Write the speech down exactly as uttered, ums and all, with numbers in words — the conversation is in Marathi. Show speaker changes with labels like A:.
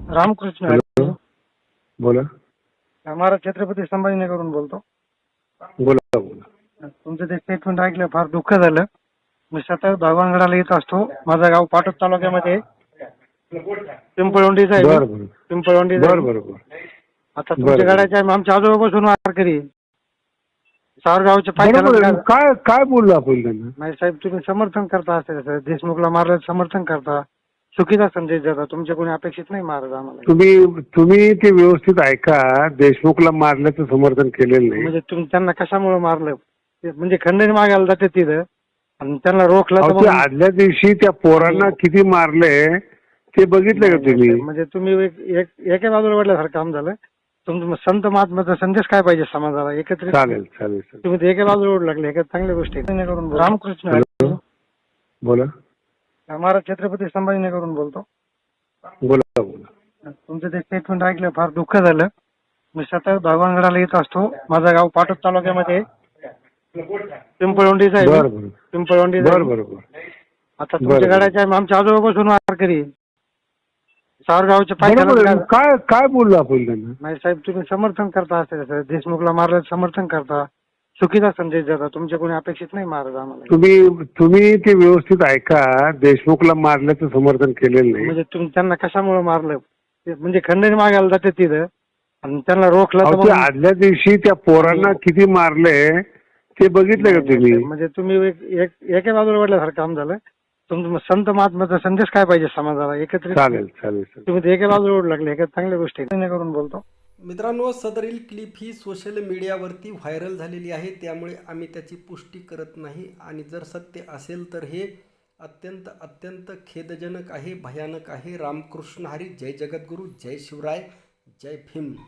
A: रामकृष्ण हरी.
B: हॅलो, बोला
A: महाराज छत्रपती संभाजीनगरवरून बोलतो.
B: बोला बोला.
A: तुमचं ते स्टेटमेंट ऐकलं फार दुःख झालं. मी सतत भगवानगडाला येत असतो. माझं गाव पाटोद तालुक्यामध्ये आहे. पिंपळवंडीचं आहे मी.
B: बरं बरं
A: पिंपळवंडीचं आहे
B: बरं
A: मी.
B: बरं बरं.
A: आता तुमच्या
B: बरं.
A: गाड्याच्या आमच्या आजोबापासून वारकरी सावरगावचे
B: बरोबर आहे.
A: पायथ्याला.
B: काय काय बोललो आपण त्यांना?
A: नाही साहेब, तुम्ही समर्थन करता असेल सर, देशमुखला मारलं समर्थन करता, चुकीचा संदेश देता. तुमच्या कोणी अपेक्षित नाही महाराज आम्हाला.
B: तुम्ही तुम्ही ते व्यवस्थित ऐका. देशमुखला मारल्याचं समर्थन केलेलं नाही.
A: म्हणजे तुम्ही त्यांना कशामुळे मारलं ते म्हणजे खंडणी मागायला जाते तिथं आणि त्यांना रोखलं तर
B: अहो, ते
A: मग-
B: आदल्या दिवशी त्या पोरांना किती मारले ते बघितलं का तुम्ही?
A: म्हणजे तुम्ही एक एक- एका बाजूला वाढल्यासारखं काम झालं. तुमचं संत महात्माचा संदेश काय पाहिजे समाजाला एकत्रित?
B: चालेल चालेल चालेल.
A: तुम्ही ते एका बाजूला ओढ लागले. एका चांगल्या गोष्टी आहेत. करून बोला. रामकृष्ण हरी.
B: हॅलो, बोला
A: महाराज छत्रपती संभाजीनगरवरून बोलतो.
B: बोला बोला.
A: तुमचं ते स्टेटमेंट ऐकलं फार दुःख झालं. मी सतत भगवानगडाला येत असतो. माझं गाव पाटोद तालुक्यामध्ये आहे. पिंपळवंडीचं आहे मी.
B: बरं बरं
A: पिंपळवंडीचं आहे
B: बरं
A: मी.
B: बरं बरं.
A: आता तुमच्या
B: बरं.
A: गाड्याच्या आमच्या आजोबापासून वारकरी सावरगावचे
B: बरोबर
A: पायथ्याला.
B: आहे. काय काय बोललो आपण त्यांना?
A: नाही साहेब, तुम्ही समर्थन करता असेल सर, देशमुखला मारलं समर्थन करता, चुकीचा संदेश देता. तुमच्या कोणी अपेक्षित नाही महाराज आम्हाला.
B: तुम्ही तुम्ही ते व्यवस्थित ऐका. देशमुखला मारल्याचं समर्थन केलेलं नाही.
A: म्हणजे तुम्ही त्यांना कशामुळे मारलं ते म्हणजे खंडणी मागायला जाते तिथं आणि त्यांना रोखलं तर
B: अहो, ते
A: मग-
B: आदल्या दिवशी त्या पोरांना किती मारले ते बघितलं का तुम्ही?
A: म्हणजे तुम्ही एक एक- एका बाजूला वाढल्यासारखं काम झालं. तुमचं संत महात्माचा संदेश काय पाहिजे समाजाला एकत्रित?
B: चालेल चालेल चालेल.
A: तुम्ही ते एका बाजूला ओढ लागले. एका चांगल्या गोष्टी आहेत. करून बोलतो.
C: मित्रांनो, सदरील क्लिप ही सोशल मीडियावरती व्हायरल झालेली आहे, त्यामुळे आम्ही त्याची पुष्टी करत नाही. आणि जर सत्य असेल तर हे अत्यंत अत्यंत खेदजनक आहे, भयानक आहे. रामकृष्ण हरी. जय जगद्गुरू, जय शिवराय, जय भीम.